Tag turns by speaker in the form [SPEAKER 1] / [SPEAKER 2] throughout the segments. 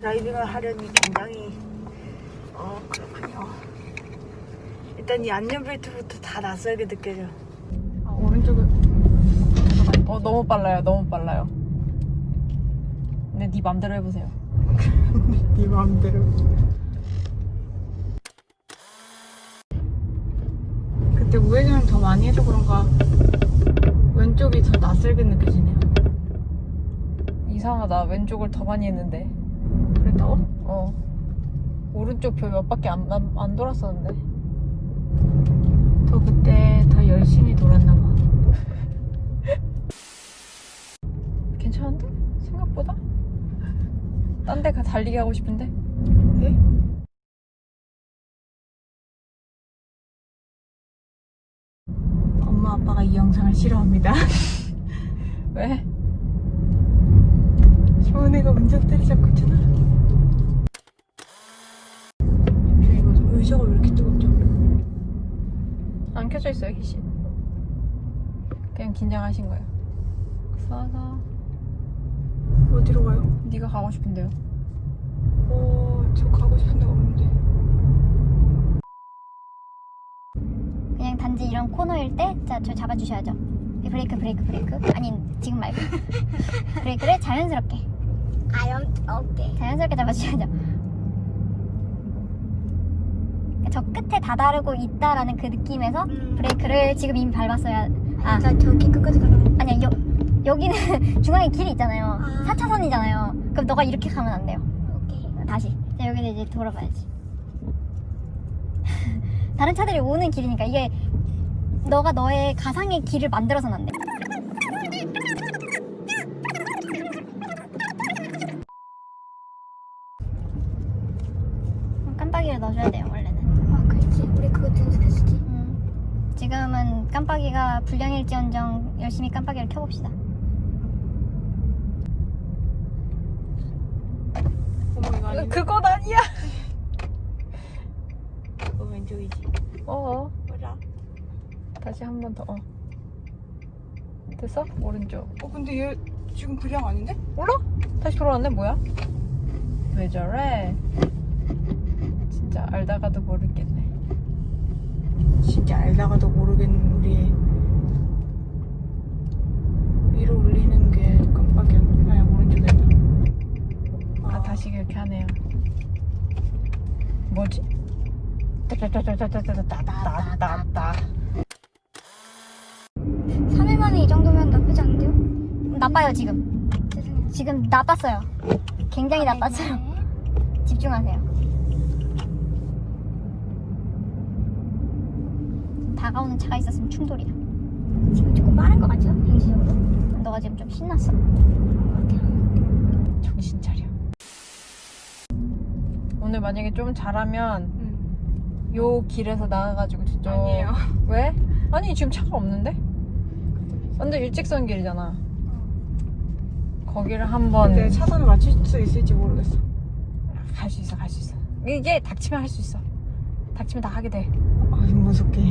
[SPEAKER 1] 드라이빙을 하려니 굉장히 그렇군요. 일단 이 안전벨트부터 다 낯설게 느껴져. 오른쪽에
[SPEAKER 2] 너무 빨라요. 너무 빨라요. 근데 네 맘대로 해보세요.
[SPEAKER 1] 네 마음대로. 그때 우회전을 더 많이 해서 그런가 왼쪽이 더 낯설게 느껴지네요.
[SPEAKER 2] 이상하다. 왼쪽을 더 많이 했는데.
[SPEAKER 1] 그랬다고?
[SPEAKER 2] 오른쪽 별 몇 바퀴 안 돌았었는데.
[SPEAKER 1] 더 그때 더 열심히 돌았나 봐.
[SPEAKER 2] 괜찮은데? 생각보다? 딴 데 달리기 하고 싶은데?
[SPEAKER 1] 네? 엄마 아빠가 이 영상을 싫어합니다.
[SPEAKER 2] 왜?
[SPEAKER 1] 소은이가 운전대를 잡고 있잖아. 이거 의자가 왜 이렇게 뜨겁죠?
[SPEAKER 2] 안 켜져 있어요, 희씨. 그냥 긴장하신 거예요. 싸서
[SPEAKER 1] 어디로 가요?
[SPEAKER 2] 네가 가고 싶은데요.
[SPEAKER 1] 저 가고 싶은 데가 없는데.
[SPEAKER 3] 그냥 단지 이런 코너일 때, 자, 저 잡아주셔야죠. 브레이크. 아니, 지금 말고. 브레이크를 자연스럽게. 오케이. 자연스럽게 잡아주셔야죠. 저 끝에 다다르고 있다라는 그 느낌에서 브레이크를 지금 이미 밟았어야.
[SPEAKER 4] 저기 끝까지 가려면.
[SPEAKER 3] 아니야, 여기는 중앙에 길이 있잖아요. 4차선이잖아요. 그럼 너가 이렇게 가면 안 돼요.
[SPEAKER 4] 오케이.
[SPEAKER 3] 다시. 자, 여기서 이제 돌아봐야지. 다른 차들이 오는 길이니까 이게 너가 너의 가상의 길을 만들어서는 안 돼. 깜빡이를 넣어줘야 돼요, 원래는.
[SPEAKER 4] 그렇지. 우리 그거 연습했었지.
[SPEAKER 3] 지금은 깜빡이가 불량일지언정 열심히 깜빡이를 켜봅시다.
[SPEAKER 1] 어머 이거 아닌데?
[SPEAKER 2] 그건 아니야.
[SPEAKER 1] 왼쪽이지. 맞아.
[SPEAKER 2] 다시 한 번 더. 됐어? 오른쪽.
[SPEAKER 1] 근데 얘 지금 불량 아닌데?
[SPEAKER 2] 몰라? 다시 돌아왔네. 뭐야? 왜 저래? 진짜 알다가도 모르겠네.
[SPEAKER 1] 진짜 알다가도 모르겠는 우리 위로 올리는 게 깜빡이야. 아니 오른쪽에.
[SPEAKER 2] 다시 그렇게 하네요. 뭐지? 따따따따따따따따따따.
[SPEAKER 4] 3일 만에 이 정도면 나쁘지 않은데요?
[SPEAKER 3] 나빠요, 지금.
[SPEAKER 4] 죄송해요.
[SPEAKER 3] 지금 나빴어요. 굉장히 나빴어요. 집중하세요. 다가오는 차가 있었으면 충돌이야.
[SPEAKER 4] 지금 조금 빠른 것 같죠? 현실적으로?
[SPEAKER 3] 너가 지금 좀 신났어.
[SPEAKER 2] 정신 차려. 오늘 만약에 좀 잘하면 요 길에서 나가가지고 저쪽.
[SPEAKER 1] 아니에요.
[SPEAKER 2] 왜? 아니 지금 차가 없는데? 완전 일직선 길이잖아. 거기를 한번
[SPEAKER 1] 근데 차선을 맞출 수 있을지 모르겠어.
[SPEAKER 2] 갈 수 있어. 이게 닥치면 할 수 있어. 닥치면 다 하게 돼.
[SPEAKER 1] 무섭게.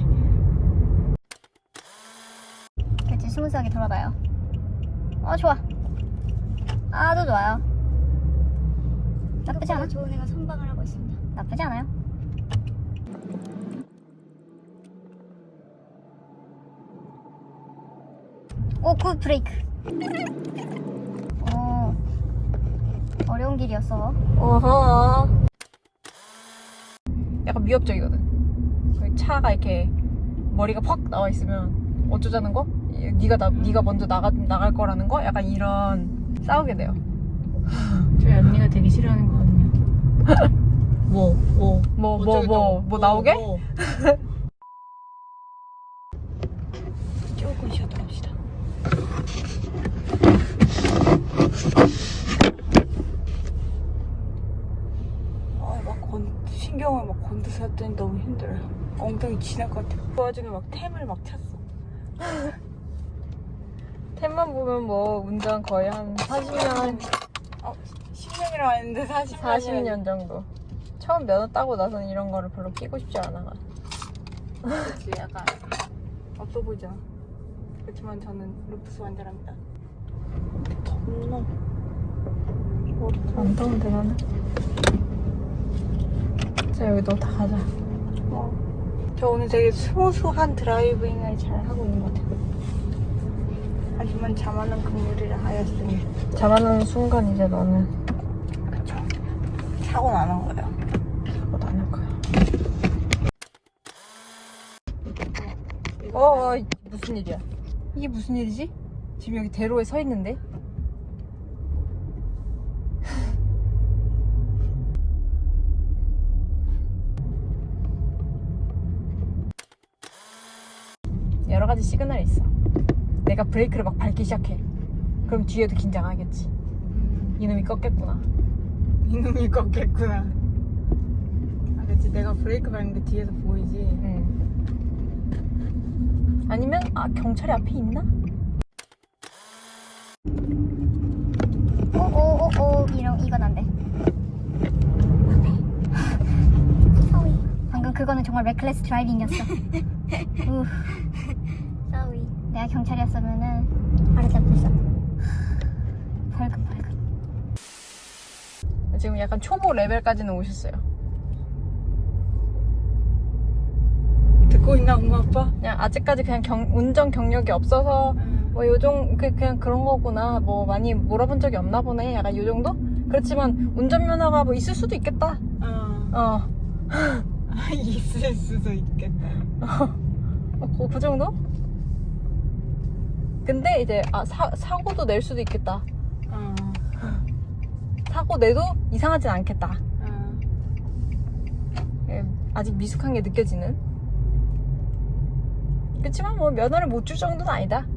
[SPEAKER 3] 그렇지, 스무스하게 돌아봐요. 좋아. 아주 좋아요. 나쁘지 않아?
[SPEAKER 4] 좋은 애가 선방을 하고 있습니다.
[SPEAKER 3] 나쁘지 않아요. 굿 브레이크. 어려운 길이었어.
[SPEAKER 1] 어허.
[SPEAKER 2] 약간 위협적이거든. 거기 차가 이렇게 머리가 퍽 나와 있으면 어쩌자는 거? 네가 먼저 나갈 거라는 거? 약간 이런 싸우게 돼요.
[SPEAKER 1] 저희 언니가 되게 싫어하는 거거든요.
[SPEAKER 2] 뭐 나오게?
[SPEAKER 1] 조금 쉬었다 갑시다. 신경을 막 건드서 했더니 너무 힘들어요. 엉덩이 지날 것 같아. 그 와중에 막 템을 막 찼어.
[SPEAKER 2] 템만 보면 뭐 운전 거의 한 40년
[SPEAKER 1] 10년이라고 했는데
[SPEAKER 2] 40년 정도. 처음 면허 따고 나서는 이런 거를 별로 끼고 싶지 않아.
[SPEAKER 1] 그치, 약간 없어 보이죠. 그렇지만 저는 루프스 완전합니다. 덥나?
[SPEAKER 2] 안 더운데 나는. 자 여기 너 다 가자.
[SPEAKER 1] 저 오늘 되게 스무스한 드라이빙을 잘 하고 있는 것 같아요. 하지만 자만한 긍휼이라 하였으니
[SPEAKER 2] 잠하는 순간 이제 너는
[SPEAKER 1] 그쵸. 사고 나는 거예요.
[SPEAKER 2] 사고 나는 거야. 무슨 일이야? 이게 무슨 일이지? 지금 여기 대로에 서 있는데? 여러 가지 시그널이 있어. 내가 브레이크를 막 밟기 시작해. 그럼 뒤에도 긴장하겠지. 이놈이 꺾겠구나.
[SPEAKER 1] 이놈이 꺾겠구나. 아, 그치. 내가 브레이크 밟는 게 뒤에서 보이지.
[SPEAKER 2] 응. 아니면 경찰이 앞에 있나?
[SPEAKER 3] 오오오오 이건 안 돼.
[SPEAKER 4] 사위.
[SPEAKER 3] 방금 그거는 정말 레클레스 드라이빙이었어.
[SPEAKER 4] 사위.
[SPEAKER 3] 내가 경찰이었으면은
[SPEAKER 4] 알아잡혔어.
[SPEAKER 3] 벌금.
[SPEAKER 2] 지금 약간 초보 레벨까지는 오셨어요.
[SPEAKER 1] 듣고 있나 엄마 아빠?
[SPEAKER 2] 그냥 아직까지 그냥 운전 경력이 없어서 뭐 요정 그냥 그런 거구나. 뭐 많이 몰아본 적이 없나 보네. 약간 요 정도? 그렇지만 운전면허가 뭐 있을 수도 있겠다.
[SPEAKER 1] 있을 수도 있겠다.
[SPEAKER 2] 그 정도? 근데 이제 사고도 낼 수도 있겠다. 사고 내도 이상하진 않겠다. 아직 미숙한 게 느껴지는. 그렇지만 뭐 면허를 못 줄 정도는 아니다.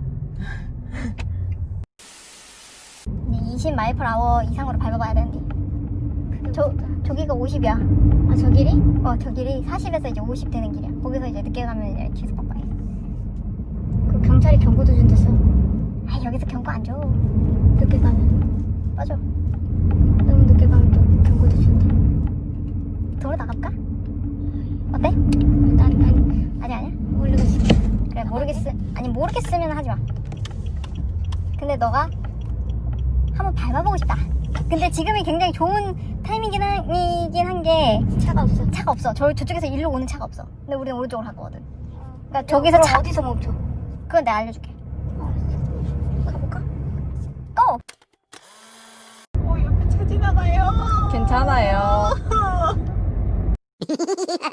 [SPEAKER 3] 20마일/아워 이상으로 밟아봐야 되는데. 저기가 50이야.
[SPEAKER 4] 아, 저 길이?
[SPEAKER 3] 저 길이 40에서 이제 50 되는 길이야. 거기서 이제 늦게 가면 이제 계속 빡빡해.
[SPEAKER 4] 그 경찰이 경고도 준댔어.
[SPEAKER 3] 여기서 경고 안 줘.
[SPEAKER 4] 늦게 가면.
[SPEAKER 3] 맞아.
[SPEAKER 4] 너무 늦게 가면 또 경고도 준대.
[SPEAKER 3] 도로 나갈까? 어때? 아니야.
[SPEAKER 4] 모르겠어.
[SPEAKER 3] 그래 모르겠으면 하지 마. 근데 너가 한번 밟아보고 싶다. 근데 지금이 굉장히 좋은 타이밍이긴 한 게
[SPEAKER 4] 차가 없어.
[SPEAKER 3] 저쪽에서 일로 오는 차가 없어. 근데 우리는 오른쪽으로 갈 거거든. 그러니까
[SPEAKER 4] 저기서
[SPEAKER 3] 저기서
[SPEAKER 4] 어디서 멈춰?
[SPEAKER 3] 그건 내가 알려줄게.
[SPEAKER 4] 가볼까?
[SPEAKER 3] 고!
[SPEAKER 1] 옆에 차 지나가요.
[SPEAKER 2] 괜찮아요.